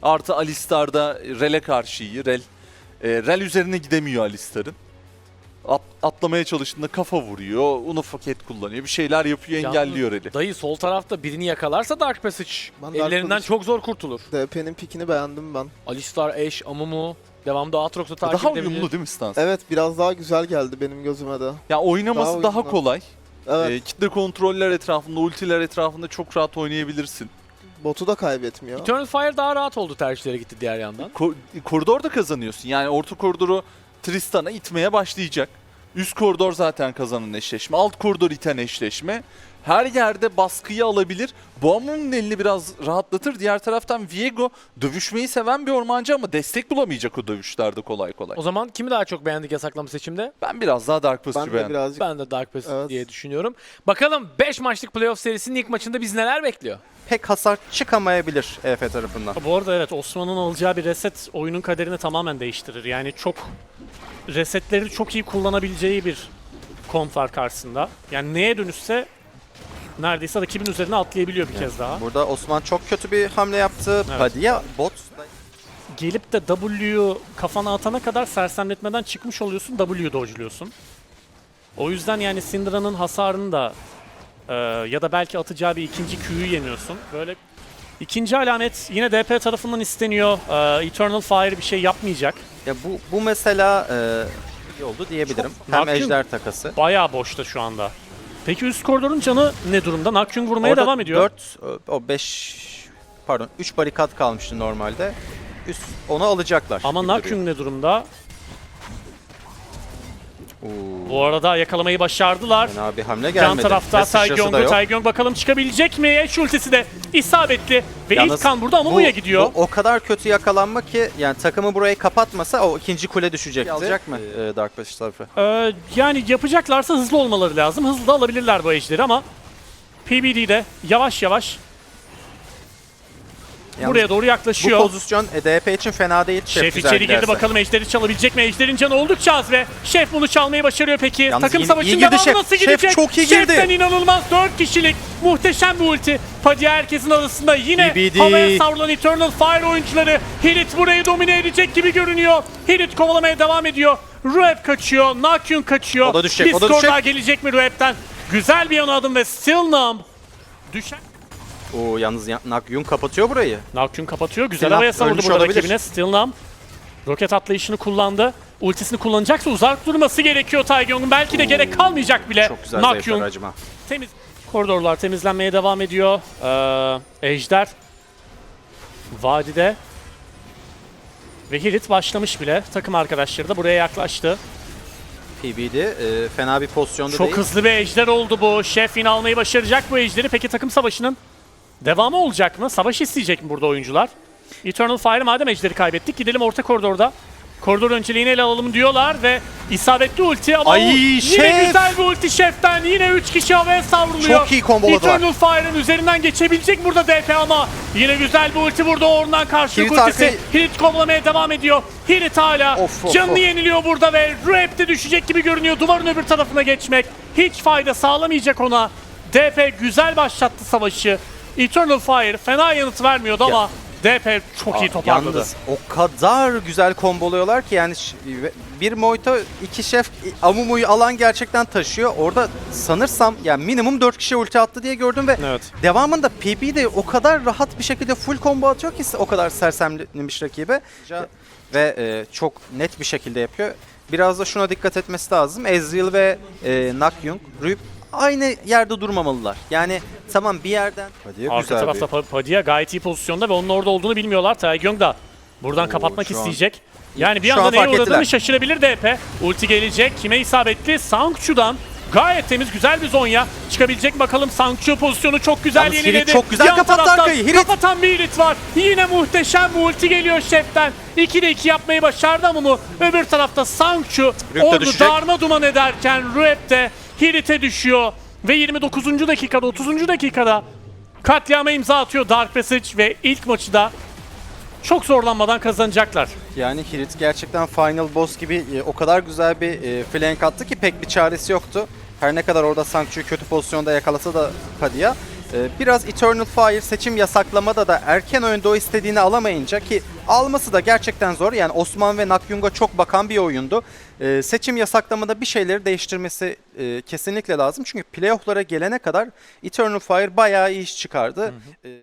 Artı Alistar'da Rel'e karşı iyi. Rel üzerine gidemiyor Alistar'ın. Atlamaya çalıştığında kafa vuruyor, Unofaket kullanıyor, bir şeyler yapıyor, engelliyor Rel'i. Dayı sol tarafta birini yakalarsa Dark Passage ellerinden çok zor kurtulur. DP'nin pikini beğendim ben. Alistar, Ashe, Amumu devamda Aatrox'u takip Daha edebilir. uyumlu değil mi stans? Evet, biraz daha güzel geldi benim gözüme de. Ya oynaması daha uyumlu. kolay. Evet, Kitle kontroller etrafında, ultiler etrafında çok rahat oynayabilirsin. botu da kaybetmiyor. Eternal Fire daha rahat oldu, tercihleri gitti diğer yandan. Koridorda kazanıyorsun. Yani orta koridoru Tristan'a itmeye başlayacak. Üst koridor zaten kazanan eşleşme. Alt koridor iten eşleşme. Her yerde baskıyı alabilir. Boğamun'un elini biraz rahatlatır. Diğer taraftan Viego dövüşmeyi seven bir ormancı ama destek bulamayacak o dövüşlerde kolay kolay. O zaman kimi daha çok beğendik yasaklama seçimde? Ben biraz daha Dark Ben Passage'ı de beğendim. birazcık Ben de Dark Passage Evet. diye düşünüyorum. Bakalım 5 maçlık playoff serisinin ilk maçında biz neler bekliyor? Pek hasar çıkamayabilir EF tarafından. Bu arada evet, Osman'ın alacağı bir reset oyunun kaderini tamamen değiştirir. Yani çok resetleri çok iyi kullanabileceği bir kont var karşısında. Yani neye dönüşse neredeyse rakibin üzerine atlayabiliyor bir kez daha. Burada Osman çok kötü bir hamle yaptı. Evet. Padilla bot Gelip de W'yu kafana atana kadar sersemletmeden çıkmış oluyorsun, W'yu dodge'luyorsun. O yüzden yani Syndra'nın hasarını da ya da belki atacağı bir ikinci Q'yu yemiyorsun. Böyle ikinci alamet yine DP tarafından isteniyor. Eternal Fire bir şey yapmayacak. ya bu mesela iyi oldu diyebilirim. Hem Nakyun ejder takası. Bayağı boşta şu anda. Peki üst koridorun canı ne durumda? Nakyung vurmaya Orada devam ediyor. 3 barikat kalmıştı normalde. Onu alacaklar. Ama gibi duruyor. Nakyung ne durumda? Oo, Bu arada yakalamayı başardılar. fena bir hamle Can gelmedi. tarafta Ve sıçrası da Taegyong'u. yok. Taegyong bakalım çıkabilecek mi? Eş ultisi de isabetli. Ve Yalnız ilk kan burada Amumu'ya gidiyor. Bu o kadar kötü yakalanma ki yani takımı burayı kapatmasa o ikinci kule düşecekti. Alacak mı Dark Passage tarafı? Yani yapacaklarsa hızlı olmaları lazım. Hızlı da alabilirler bu ejderi ama PBD'de yavaş yavaş Yalnız buraya doğru bu yaklaşıyor. pozisyon DP için fena değil. Şef güzel içeri girdi, giderse. bakalım ejderi çalabilecek mi? Ejderin canı oldukça az ve Şef bunu çalmayı başarıyor peki. Yalnız Takım iyi savaşının girdi devamı Şef. nasıl Şef gidecek? çok iyi girdi. Şef'ten inanılmaz 4 kişilik muhteşem bir ulti. Padilla herkesin arasında yine BBD. havaya savrulan Eternal Fire oyuncuları. Hirit burayı domine edecek gibi görünüyor. Hirit kovalamaya devam ediyor. Rueb kaçıyor, Nakyun kaçıyor. O da düşecek, Bir o da skor düşecek. daha gelecek mi Rueb'den? Güzel bir yana adım ve Still Numb. Düşen Oo, yalnız Nakyun kapatıyor burayı. Nakyun kapatıyor. Güzel Sinap havaya savurdu ölmüş burada olabilir. rakibine. Still Numb. Roket atlayışını kullandı. Ultisini kullanacaksa uzak durması gerekiyor Taegyong'un. Belki de gerek kalmayacak bile. Çok güzel Nakyun zayıflar acıma. temiz. Koridorlar temizlenmeye devam ediyor. Ejder vadide. Ve Hirit başlamış bile. Takım arkadaşları da buraya yaklaştı. PBD fena bir pozisyonda Çok değil. hızlı bir ejder oldu bu. Şef yine almayı başaracak bu ejderi. Peki takım savaşının devamı olacak mı? Savaş isteyecek mi burada oyuncular? Eternal Fire madem ejderi kaybettik, gidelim orta koridorda. Koridor önceliğini ele alalım diyorlar ve isabetli ulti ama Ay, yine Şef! güzel bir ulti Şef'ten. Yine 3 kişi havaya savruluyor. Çok iyi komboladılar. Eternal Fire'ın üzerinden geçebilecek burada DP ama yine güzel bir ulti burada Orn'dan karşılık Hirit ultisi. arkayı- Hirit kovalamaya devam ediyor. Hirit hala Of. canını yeniliyor burada ve Rueb de düşecek gibi görünüyor. Duvarın öbür tarafına geçmek hiç fayda sağlamayacak ona. DP güzel başlattı savaşı. Eternal Fire fena yanıt vermiyordu ama DP çok iyi toparladı. Yalnız o kadar güzel komboluyorlar ki yani bir Moito, iki Şef Amumu'yu alan gerçekten taşıyor. Orada sanırsam yani minimum 4 kişi ulti attı diye gördüm ve Evet. devamında PB de o kadar rahat bir şekilde full combo atıyor ki o kadar sersemlemiş rakibe ve çok net bir şekilde yapıyor. Biraz da şuna dikkat etmesi lazım. Ezreal ve Nakyung, Rueb aynı yerde durmamalılar. Yani tamam bir yerden... Arka tarafta Padilla gayet iyi pozisyonda ve onun orada olduğunu bilmiyorlar. Taegyong da buradan kapatmak şu an- isteyecek. Yani bir Şu anda an neye fark uğradığını ettiler. şaşırabilir DP. Ulti gelecek. Kime isabetli? Sangchu'dan. Gayet temiz, güzel bir Zonya. Çıkabilecek bakalım. Sangchu pozisyonu çok güzel Yalnız Hirit yeniledi. çok güzel Yan kapattı taraftan arkayı. Hirit. Kapatan bir Hirit var. Yine muhteşem bir ulti geliyor Şef'ten. 2'de 2 yapmayı başardı ama bu. Öbür tarafta Sangchu Rueb de ordu düşecek. darma duman ederken Rueb de Hirit'e düşüyor. Ve 29. dakikada, 30. dakikada katliama imza atıyor Dark Passage ve ilk maçı da çok zorlanmadan kazanacaklar. Yani Hirit gerçekten Final Boss gibi o kadar güzel bir flank attı ki pek bir çaresi yoktu. Her ne kadar orada Sangchu'yu kötü pozisyonda yakalasa da Padilla. Biraz Eternal Fire seçim yasaklamada da erken oyunda o istediğini alamayınca, ki alması da gerçekten zor. Yani Osman ve Nakyung'a çok bakan bir oyundu. Seçim yasaklamada bir şeyleri değiştirmesi kesinlikle lazım. Çünkü playoff'lara gelene kadar Eternal Fire bayağı iyi iş çıkardı.